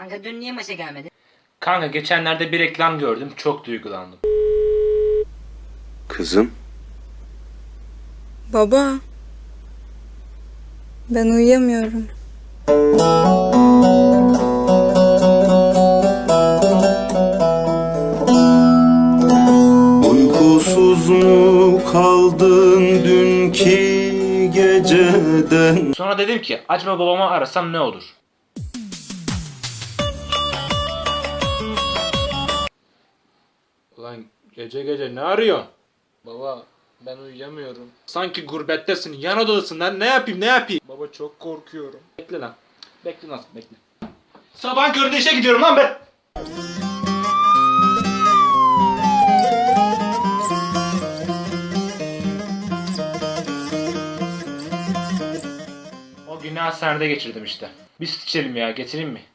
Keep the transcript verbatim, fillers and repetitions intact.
Kanka dün niye maça gelmedin? Kanka geçenlerde bir reklam gördüm, çok duygulandım. Kızım. Baba. Ben uyuyamıyorum. Uykusuz mu kaldın dünkü geceden? Sonra dedim ki acaba babamı arasam ne olur? Ulan gece gece ne arıyorsun? Baba ben uyuyamıyorum. Sanki gurbettesin, yan odadasın lan, ne yapayım ne yapayım? Baba çok korkuyorum. Bekle lan. Bekle nasıl bekle. Sabah köründe işe gidiyorum lan ben. O günü hastanede geçirdim işte. Bir süt içelim ya, getireyim mi?